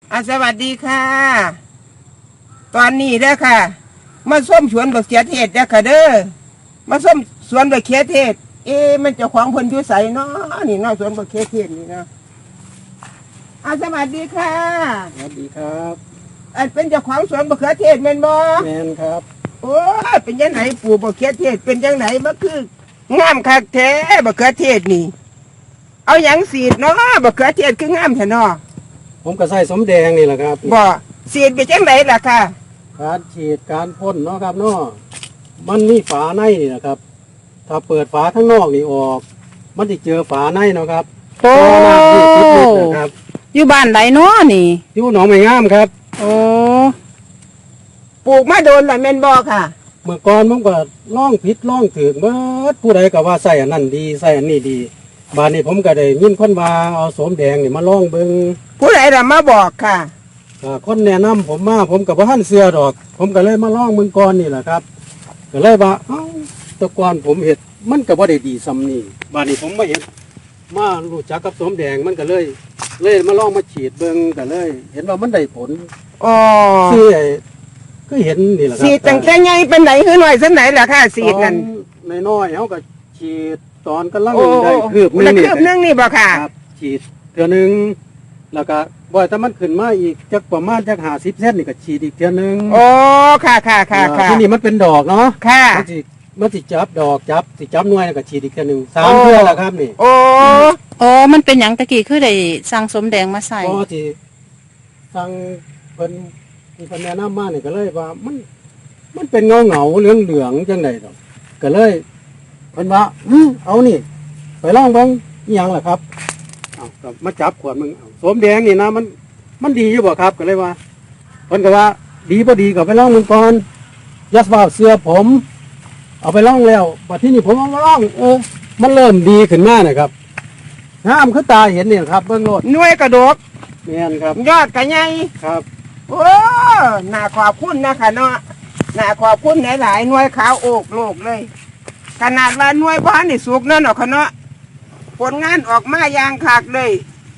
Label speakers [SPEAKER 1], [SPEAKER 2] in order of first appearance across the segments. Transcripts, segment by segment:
[SPEAKER 1] สวัสดีค่ะตอนนี้เด้อค่ะมาส้มสวนบักเขือเทศเด้อค่ะเด้อมาส้มสวนบักเขือเทศมันเจ้าของเพิ่นอยู่ไสเนาะนี่เนาะสวนบักเขือเทศนี่เนาะสวัสดีค่ะ
[SPEAKER 2] สวัสดีครับ
[SPEAKER 1] เป็นเจ้าของสวนบักเขือเทศแม่นบ่
[SPEAKER 2] แม่นครับ
[SPEAKER 1] โอ้เป็นจังไหนปลูกบักเขือเทศเป็นจังไหนมันคืองามคักแท้บักเขือเทศนี่เอาหยังสีดเนาะบักเขือเทศคืองามแท้เนาะ
[SPEAKER 2] ผมก็ใส่สมแดงนี่แหละครับ
[SPEAKER 1] บ่สีดไปจังไหนล่ะค่ะ
[SPEAKER 2] การฉีดการพ่นเนาะครับเนาะมันมีฝาในนี่นะครับถ้าเปิดฝาข้างนอกนี่ออกมันจะเจอฝาในเนาะครับ
[SPEAKER 3] โอ้
[SPEAKER 2] ครับ
[SPEAKER 3] อยู่บ้านไหนเนาะนี่
[SPEAKER 2] อยู่หนองไม้งามครับ
[SPEAKER 3] โอ้
[SPEAKER 1] ปลูกมาโดนละแม่นบ่ค่ะ
[SPEAKER 2] เมื่อก่อนผมก็ล่องผิดล่องถึงเบิดผู้ใดก็ว่าใส่อันนั้นดีใส่อันนี้ดีบานนี้ผมก็ได้ยินคนว่าเอาสมแดงนี่มาล่องเบิ่ง
[SPEAKER 1] ผู้ใดล่ะมาบอกค่ะ
[SPEAKER 2] คนแนะนำผมมาผมกับท่านเสือดอก ผมก็เลยมาล่องเมืองก่อนนี่แหละครับก็เลยว่าตะกอนผมเห็ดมันก็บ่ได้ดีซ้ำนี่บานนี้ผมมาเห็นมารู้จักกับสมแดงมันก็เลยมาล่องมาฉีดเบิ่งก็เลย เห็นว่ามันได้ผลคือก็เห็นนี่แหละครับ
[SPEAKER 1] สีดตั้งแต่ใหญ่เป็นไหนคือหน่อยสักไหนล่ะค่ะสีดนั่น
[SPEAKER 2] น้อยๆเขาก็ฉีดตอนกำลังได้คืบ
[SPEAKER 1] นึงนี่บ่ค่ะ
[SPEAKER 2] ฉีดเทื่อนึงแล้วก็บ่อยถ้ามันขึ้นมาอีกจักประมาณจัก50 เซนนี่ก็ฉีดอีกเทื่อนึง
[SPEAKER 1] โอ้ค่ะ
[SPEAKER 2] ที่นี่มันเป็นดอกเนาะ
[SPEAKER 1] ค่ะ
[SPEAKER 2] มันสิจับดอกสิจับหน่วยก็ฉีดอีกเทื่อนึง3 เทื่อแล้วครับนี่
[SPEAKER 3] โอ้มันเป็นหยังตะกี้คือได้สั่งสมแดงมาใส่
[SPEAKER 2] พอที่สั่งเพิ่นที่เพิ่นแนะนำมานี่ก็เลยว่ามันเป็นเงาเหลืองจังได๋ดอกก็เลยเพิ่นว่าเอานี่ไปลองเบิ่งอีหยังล่ะครับก็มาจับขวดมึงสมแดงนี่นะมันดีอยู่บ่ครับก็เลยว่าเพิ่นก็ว่าดีบ่ดีก็ไปลองมึงก่อนยัสว่าเสื้อผมเอาไปลองแล้วบัดที่นี่ผมเอามาลองมันเริ่มดีขึ้นมานะครับงามคือตาเห็นนี่ครับเบิ่งโลด
[SPEAKER 1] หน่วยกระดก
[SPEAKER 2] แม่นครับ
[SPEAKER 1] ยอดก็ใหญ่
[SPEAKER 2] ครับ
[SPEAKER 1] โอ้น่าขอบคุณนะคะเนาะน่าขอบคุณหลายๆหน่วยขาวโอกโลกเลยขนาดว่าหน่วยบ้านนี่สุกนั่นเนาะค่ะเนาะผลงานออกมาอย่างคักเลย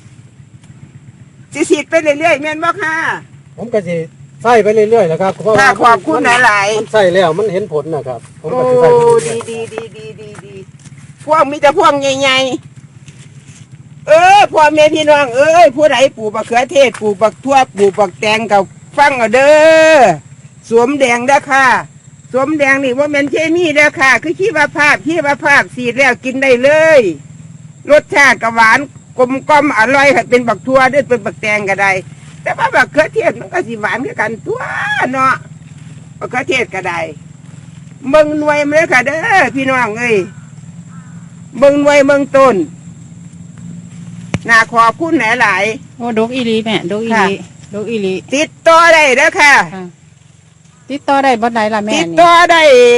[SPEAKER 1] สิไปเรื่อยๆแม่นบ่ค่ะ
[SPEAKER 2] ผมก็สิใส่ไปเรื่อยๆนะครับเพราะว่า
[SPEAKER 1] ขอบคุณหลาย
[SPEAKER 2] ๆมันใส่แล้วมันเห็นผลนะครับผม
[SPEAKER 1] ก็สิใส่ดีพวกมีแต่พวกใหญ่ๆพ่อแม่พี่น้องผู้ใดปลูกบักเขือเทศปลูกบักทั่วปลูกบักแตงกับฟังเอาเด้อสวมแดงเด้อค่ะสวมแดงนี่ว่ามันเคมีเด้อค่ะคือชีวภาพสีดแล้วกินได้เลยรสชาติก็หวานกลมกล่อมอร่อยเป็นบักทั่วด้วยเป็นบักแตงก็ได้แต่ว่าบักเขือเทศมันก็สิหวานคือกันทั่วเนาะบักเขือเทศก็ได้เบิ่งหน่วยมันเลยค่ะเด้อพี่น้องเบิ่งหน่วยเบิ่งต้นน่าขอบคุณหลาย
[SPEAKER 3] โอ้ดกอีหลีแม่ดกอีหลี
[SPEAKER 1] ติดต่อได้เด้อค่ะ
[SPEAKER 3] ติดต่อได้บ่ได้ล่ะแม่
[SPEAKER 1] ติดต่อได้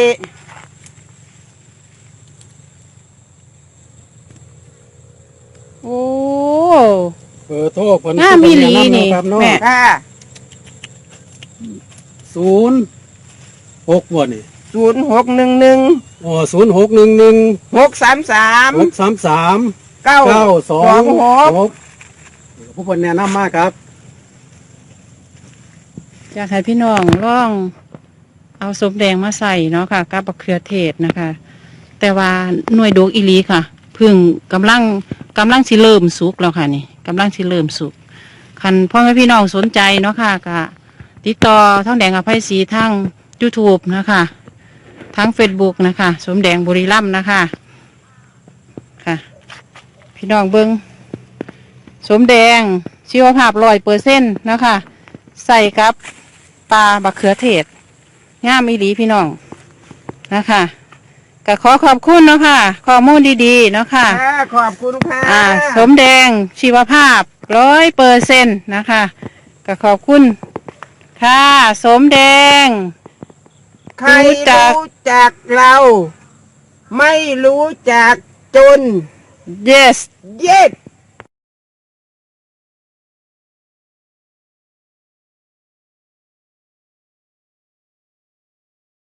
[SPEAKER 3] โอ้
[SPEAKER 2] โทษผล
[SPEAKER 3] มีหลีนี่แม่
[SPEAKER 1] ค่ะ
[SPEAKER 2] 06บ่นี่
[SPEAKER 1] 0611
[SPEAKER 2] อ๋อ0611
[SPEAKER 1] 633
[SPEAKER 2] 926ผู้คนแนะนำมากครับ
[SPEAKER 3] อยากให้พี่น้องลองเอาสมแดงมาใส่เนาะค่ะกับบักเขือเทศนะคะแต่ว่าหน่วยดกอีหลีค่ะพึ่งกำลังสิเริ่มสุกแล้วค่ะนี่กำลังสิเริ่มสุกคันพ่อแม่พี่น้องสนใจเนาะค่ะก็ติดต่อท้องแดงอภัยศรีทาง YouTube นะคะทั้ง Facebook นะคะสมแดงบุรีรัมย์นะคะค่ะพี่น้องเบิ้งสมแดงชีวภาพ100%นะคะใส่กับปลาบักเขือเทศงามอีหลีพี่น้องนะคะก็ขอบคุณเนาะค่ะข้อมูลดีๆเนาะค่ะ
[SPEAKER 1] ขอบคุณค่ะ
[SPEAKER 3] สมแดงชีวภาพ100%นะคะก็ขอบคุณค่ะสมแดง
[SPEAKER 1] ใครรู้จักเราไม่รู้จักจน
[SPEAKER 3] yes